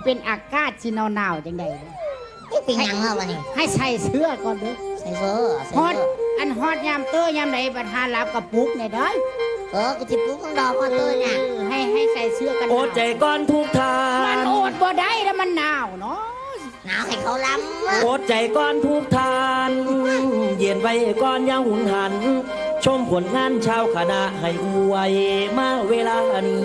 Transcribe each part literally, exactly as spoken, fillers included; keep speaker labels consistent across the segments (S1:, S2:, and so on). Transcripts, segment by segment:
S1: เป็นอากาศที่หนาวๆจังใด
S2: เป็นยังเหรอวะนี่
S1: ให้ใส่เสื้อก่อนเด้อ
S2: ใส่เสื้อใส่
S1: ฮอด
S2: เสื้อ
S1: อันฮอดยามเตอยามไหนบัดหารับกับปุกเนี่ยเด้อ
S2: เออกูจะปลุกมึงดอกมาตัวเนี่ย
S1: ให้ให้ใส่เสื้อกันห
S3: โอ
S1: นา
S3: ด
S1: ว
S3: ใจก้อนทุกทา
S1: มัน
S3: น
S1: โอดบ่ได้แล้วมันหนาวเนาะ
S2: หนาวให้เขาล้ำ
S3: โอดใจก้อนทุกทาน เย็นไว้ก้อนยังหุนหัน ชมผลงานชาวคณะให้อวยมาเวลานี้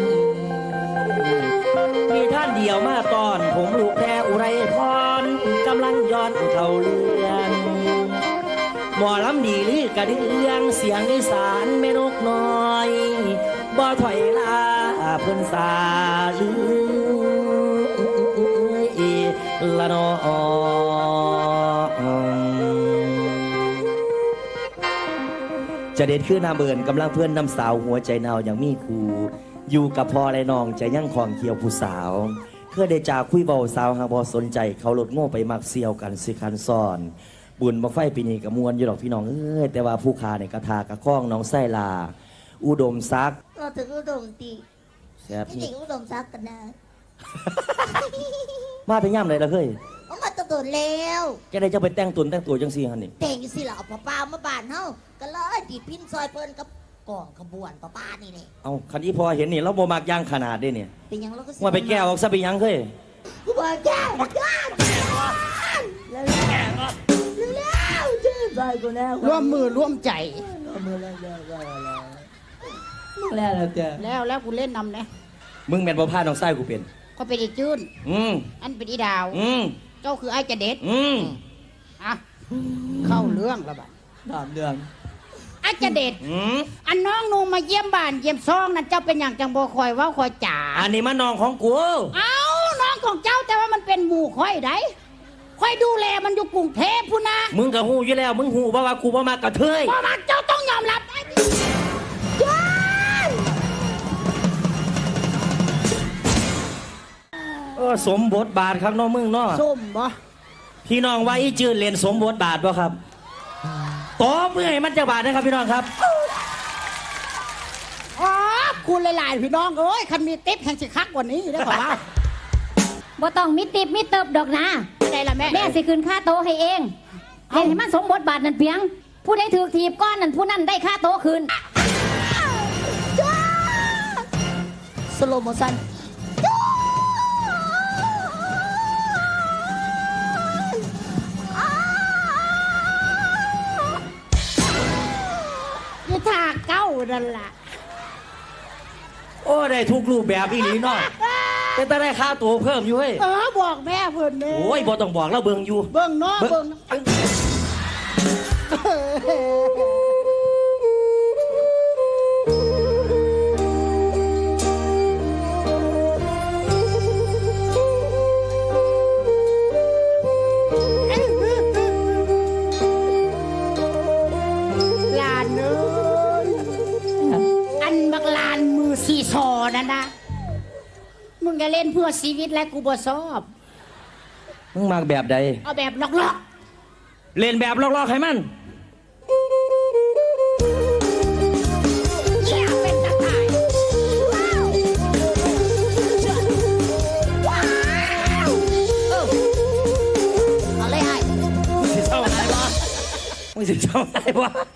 S3: มีท่านเดียวมาตอน ผมลูกแพรอุไรพรกำลังย้อนเข้าเรื่องหมอลำดีลือกระเดื่องเสียงอีสานแม่นกน้อยบ่ถอยลาเพิ่นสาลือละนอจะเด็ดขึ้นนาเบินกำลังเพื่อนนำสาวหัวใจนาวอย่างมีครูอยู่กับพ่อและน้องใจยั่งของเขียวผู้สาวเพื่อได้จากคุยเบาสาวหาบอสนใจเขาหลดโง่ไปมักเซียวกันสิคันซ่อนบุญบังไฟปีนี้กับมวลอยู่หรอกพี่น้องเอ้ยแต่ว่าผู้ขาในกระทากระข้องน้องไส้ลาอุดมซัก
S2: เราถึงอุดมตี
S3: แซ่บ
S2: ไม่
S3: นี่
S2: ถึงอุดมซักกันนะ
S3: มาแต่ย่ำเลยละเฮ้ย
S2: เอามาตะโดนแล้ว
S3: แกได้จะไปแต่งตุนแต่งตัวจังซี่ฮันนี่
S2: แต่งสิเราเอาป้าป้ามาบ้านเฮาก็เลยดีดพินซอยเพิ่นกับกองขบวนป้าป้านี่นี่
S3: เอาคันนี้พอเห็นนี่เราบ่มักย่างขนาดได้เนี่ย
S2: เป็นยังเราก็สิ
S3: ว่าไปแก้วออกซะไปยังเฮ้ย
S2: กูบอกแก้วแก้วแล้วแล้วแล้วชื่อใจกูแล้ว
S1: ร่วมมือร่วมใจ
S2: มือแล้วแล้วแล้ว
S3: แล้วแล้วจ้ะ
S1: แล้วแล้วกูเล่นนำนะ
S3: มึงแม่นบ่พาน้องไส้กูเป็น
S1: ก็เป็นอีจื้น
S3: อืม
S1: อันเป็นอีดาว
S3: อืม
S1: เจ้าคือไอ้จะเด็ด
S3: อืม
S1: อ่ะเข้าเรื่องแล้วบัด
S3: ถามเดือน
S1: ไอ้จะเด็ด
S3: อืม
S1: อันน้องนูมาเยี่ยมบ้านเยี่ยมซองนั่นเจ้าเป็นอย่างจังบ่คอยเว่าคอยจ๋า
S3: อันนี้มันน้องของกู
S1: เอาน้องของเจ้าแต่ว่ามันเป็นหมู่คอยได้คอยดูแลมันอยู่กรุงเทพพูนนะ
S3: มึงก็ฮู้อยู่แล้ว มึงฮู้บ่ว่ากูบ่มากกระเทย
S1: เพราะว่าเจ้าต้องยอมรับได้ย้าย
S3: เออสมบทบาทครับน้องมึงเนาะ
S1: ส้มบ่
S3: พี่น้องว่าอีจืดเรียนสมบทบาทบ่ครับตบมือให้มันจะบาทนะครับพี่น้องครับ
S1: อ๋อคุณหลายๆพี่น้องเอ้ยคันมีติ๊บแห่งสิคักกว่านี้ได้ขอว่า
S4: บ่ต้องมีติบมีเติบดอกนะ
S1: ได้ละแม่
S4: แม่สิคืนค่าโตะให้เองเล่นให้มันสมบทบาทนั่นเพียง ผู้ใดถือถีบก้อนนั่นผู้นั้นได้ค่าโตะคืน
S2: สโลโมชัน
S1: ยี่ทาเก้านั่นล่ะ
S3: โอ้ได้ทุกรูปแบบอีหลีเนาะแต่ถ้าได้ค่าตัวเพิ่มอยู่เฮ้ย
S1: เออบอกแม่เพิ่นเด้
S3: โอ้ยบ่ต้องบอกแล้วเบิ่งอยู่
S1: เบิ่งเนาะเบิ่งลานเอ้ยอันบักลานมือสีซอนั่นนะมึงจะเล่นเพื่อชีวิตและกูบ่ชอบ
S3: มึงมากแบบใด
S1: เอาแบบล็อก
S3: เล่นแบบลอกๆให้มัน
S1: ๆเชี่ยเป็นตะข่ายว้าวว้าวเออเอาเลยไอ้
S3: มึงสิเศร้าอะไรวะมึงสิเศร้าอะไรวะ